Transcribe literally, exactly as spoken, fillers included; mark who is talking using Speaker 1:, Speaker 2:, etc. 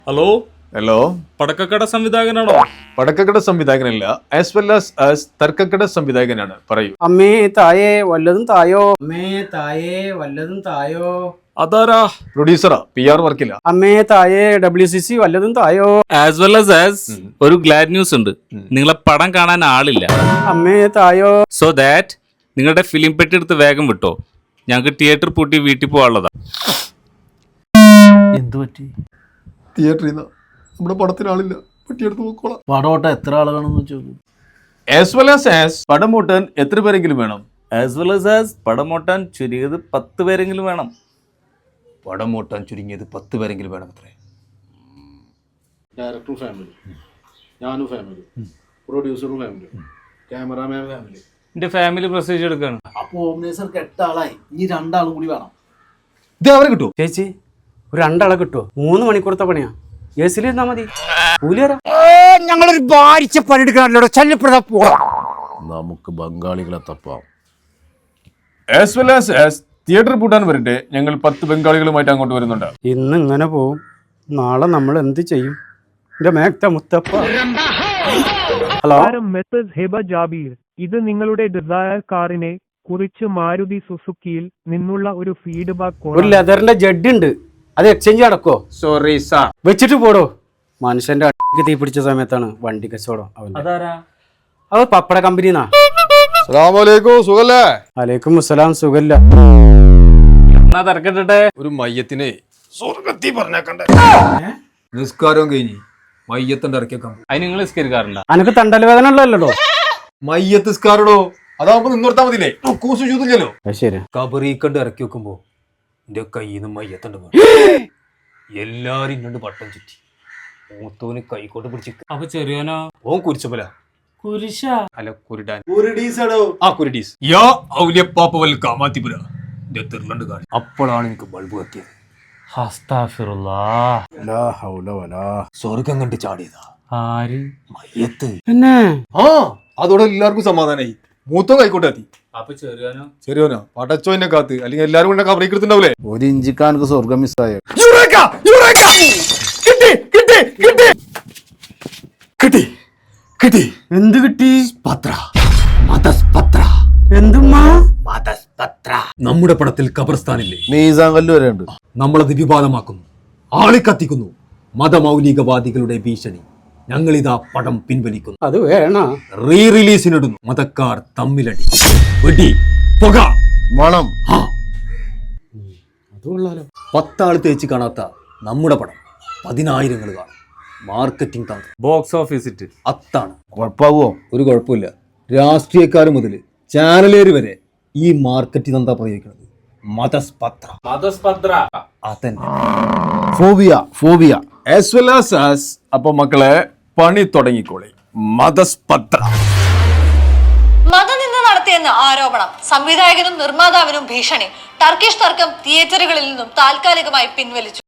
Speaker 1: Hello
Speaker 2: hello
Speaker 1: പടക്കക്കട സംവിധായകനാണോ?
Speaker 2: പടക്കക്കട സംവിധായകനല്ല, ആസ് വെൽ ആസ് ആസ് തർക്കക്കട സംവിധായകനാണ്. പറയൂ.
Speaker 3: അമ്മേ തായേ വല്ലതും തായോ. അമ്മേ തായേ വല്ലതും തായോ.
Speaker 1: അതാരാ?
Speaker 2: പ്രൊഡ്യൂസറാ, പി ആർ വർക്കില്ല.
Speaker 3: അമ്മേ തായേ ഡബ്ല്യു സി സി വല്ലതും തായോ.
Speaker 1: ആസ് വെൽ ആസ് ആസ് ഒരു ഗ്ലാഡ് ന്യൂസ് ഉണ്ട്. നിങ്ങളെ പടം കാണാൻ ആളില്ല.
Speaker 3: അമ്മേ തായോ.
Speaker 1: സോ ദാറ്റ് നിങ്ങളുടെ ഫിലിം പെട്ടി എടുത്ത് വേഗം വിട്ടോ. ഞങ്ങൾക്ക് തിയേറ്റർ പൂട്ടി വീട്ടിൽ പോകാനുള്ളതാ.
Speaker 4: എന്തു പറ്റി?
Speaker 2: തിയേറ്ററിൽ നിന്ന് നമ്മുടെ പടത്തിന് ആളില്ല, പെട്ടിയെടുത്ത് നോക്കോളാം.
Speaker 4: പടോട്ട എത്ര ആളുകളാണെന്ന് ചോദിച്ചു.
Speaker 2: ആസ് വെൽ ആസ് ആസ് പടം മൂട്ടാൻ എത്ര പേരെങ്കിലും വേണം?
Speaker 1: ആസ് വെൽ ആസ് ആസ് പടം ഓട്ടാൻ ചുരുങ്ങിയത് പത്ത് പേരെങ്കിലും വേണം.
Speaker 2: പടം മൂട്ടാൻ ചുരുങ്ങിയത് പത്ത് പേരെങ്കിലും വേണം. അത്രേ.
Speaker 5: ഡയറക്ടറും ഫാമിലി, ഞാനും ഫാമിലി, പ്രൊഡ്യൂസറും ഫാമിലി, ക്യാമറാമാൻ ഫാമിലി.
Speaker 1: എന്റെ ഫാമിലി പ്രസവിച്ച് എടുക്കാണ്.
Speaker 4: അപ്പൊ ഓംനേസർക്ക് എട്ടാളായി, ഇനി രണ്ടാളും കൂടി വേണം.
Speaker 2: ഇത് അവരെ കിട്ടുമോ?
Speaker 3: ചേച്ചി ഒരു രണ്ടാളെ കിട്ടുമോ? മൂന്ന് മണിക്കൂറത്തെ പണിയാ. എ സിയിൽ ഇരുന്നാ മതി. കൂലി തരാം.
Speaker 6: ഞങ്ങളൊരു ഭാരിച്ച പണിയെടുക്കണല്ലോ. ശല്യപ്പെടുത്താൻ പോവാം.
Speaker 4: നമുക്ക് ബംഗാളികളെ തപ്പാം.
Speaker 2: As well as as theatre പൂട്ടാൻ വരട്ടെ, ഞങ്ങൾ പത്ത് ബംഗാളികളുമായിട്ട് അങ്ങോട്ട് വരുന്നുണ്ട്.
Speaker 3: ഇന്ന് ഇങ്ങനെ പോവും, നാളെ നമ്മൾ എന്ത് ചെയ്യും? എന്റെ മേക്ത മുത്തപ്പ. ഹലോ
Speaker 7: മെസ്സേജ് ഹെബ ജാബീർ, ഇത് നിങ്ങളുടെ ഡിസയർ കാറിനെ കുറിച്ച് മാരുതി സുസുക്കിയിൽ നിന്നുള്ള ഒരു ഫീഡ്ബാക്ക്.
Speaker 3: ഒരു ലെതറിന്റെ ജഡ് ഉണ്ട്, അത് എക്സ്ചേഞ്ച് നടക്കോ?
Speaker 2: Sorry sir.
Speaker 3: വെച്ചിട്ട് പോടോ. മനുഷ്യന്റെ അടിക്ക് തീ പിടിച്ച സമയത്താണ് വണ്ടി കച്ചവടം. അവൻ
Speaker 1: അതാരാ?
Speaker 3: അത് പപ്പട കമ്പനിന്നാ.
Speaker 2: സുഖല്ലേ?
Speaker 3: അലൈക്കും അസ്സലാം. സുഖല്ല.
Speaker 1: എന്നാ തിരക്കിട്ടെ.
Speaker 2: ഒരു മയ്യത്തിനെ സ്വർഗത്തി പറഞ്ഞേക്കണ്ടേ? നിസ്കാരവും കഴിഞ്ഞ് മയ്യത്തിന്റെ ഇറക്കിയേക്കാം.
Speaker 1: അതിന് നിങ്ങൾ നിസ്കരിക്കാറുണ്ടോ?
Speaker 3: അനക്ക് തണ്ടൽ വേദന ഉള്ളല്ലോ.
Speaker 2: മയ്യത്ത് നിസ്കാരടോ, അതാവുമ്പോ നിന്നോർത്താ മതില്ലേ? കൂസു ചൂതില്ലല്ലോ.
Speaker 3: ശരി.
Speaker 2: കബറീക്കണ്ട് ഇറക്കി വെക്കുമ്പോ എന്റെ കയ്യിൽ നിന്ന് മയ്യത്തണ്ട് എല്ലാരും ഇന്നോണ്ട് പട്ടം ചുറ്റി. മൂത്തോന് കൈക്കോട്ട് പിടിച്ച്.
Speaker 1: അപ്പൊ ചെറിയോനോ?
Speaker 2: ഓൻ കുരിച്ചപ്പല.
Speaker 1: കുരിശ
Speaker 2: അല്ല കുരുടാൻ. ആ കുരുടീസ്. യാ ഔലിയപ്പാപ്പ വൽ കാമാത്തിപുര. എന്റെ തിരുളണ്ട് കാണി. അപ്പോഴാണ് എനിക്ക് ബൾബ് കത്തിയത്. സ്വർഗം കണ്ട് ചാടിയതാ.
Speaker 1: ആര്?
Speaker 2: മയ്യത്ത്.
Speaker 3: പിന്നെ
Speaker 2: ആ അതോടെ എല്ലാവർക്കും സമാധാനായി. മൂത്തോ കൈക്കോട്ട് കത്തി.
Speaker 1: അപ്പൊ ചെറിയോനോ?
Speaker 2: ശരിയോനോ പടച്ചോനെ കാത്ത്, അല്ലെങ്കിൽ എല്ലാരും കൂടെ കബറീക്കെടുത്തുണ്ടാവൂലേ?
Speaker 4: ഒരു ഇഞ്ചിക്കാനക്ക് സ്വർഗം മിസ്സായോ?
Speaker 2: കിട്ടി കിട്ടി.
Speaker 3: എന്ത് കിട്ടി?
Speaker 2: പത്ര മതസ്പത്ര.
Speaker 3: എന്തുമ്മാ?
Speaker 2: മതസ്പത്ര. നമ്മുടെ പടത്തിൽ ഖബർസ്ഥാനില്ലേ?
Speaker 4: മീസാങ്കല്ല് വരെ ഉണ്ട്.
Speaker 2: നമ്മളത് വിവാദമാക്കുന്നു, ആളിക്കത്തിക്കുന്നു. മതമൗലികവാദികളുടെ ഭീഷണി. ഞങ്ങളിതാ പടം പിൻവലിക്കുന്നു.
Speaker 3: അത് വേണ
Speaker 2: റീ റിലീസിനിടുന്നു. മതക്കാർ തമ്മിലടി, വെടി, പുക,
Speaker 4: മണം.
Speaker 3: അത് കൊള്ളാലോ.
Speaker 2: പത്താള് തേച്ച് കാണാത്ത നമ്മുടെ പടം പതിനായിരങ്ങൾ കാണും. മാർക്കറ്റിംഗ് തന്ത്രം.
Speaker 1: ബോക്സ് ഓഫീസിറ്റ്
Speaker 2: അത്താണ്.
Speaker 4: കുഴപ്പാവോ?
Speaker 2: ഒരു കുഴപ്പമില്ല. രാഷ്ട്രീയക്കാർ മുതൽ ചാനലേര് വരെ ഈ മാർക്കറ്റിംഗ് തന്ത്രം പ്രയോഗിക്കുന്നത്. മതസ്പത്ര.
Speaker 1: മതസ്പത്ര.
Speaker 2: അതന്നെ.
Speaker 4: Phobia phobia
Speaker 2: as well as as. അപ്പൊ മക്കളെ പണി തുടങ്ങിക്കോളെ. മതസ്പത്ര.
Speaker 8: മതനിന്ദ നടത്തിയെന്ന് ആരോപണം. സംവിധായകനും നിർമ്മാതാവിനും ഭീഷണി. ടർക്കിഷ് തർക്കം തിയേറ്ററുകളിൽ നിന്നും താൽക്കാലികമായി പിൻവലിച്ചു.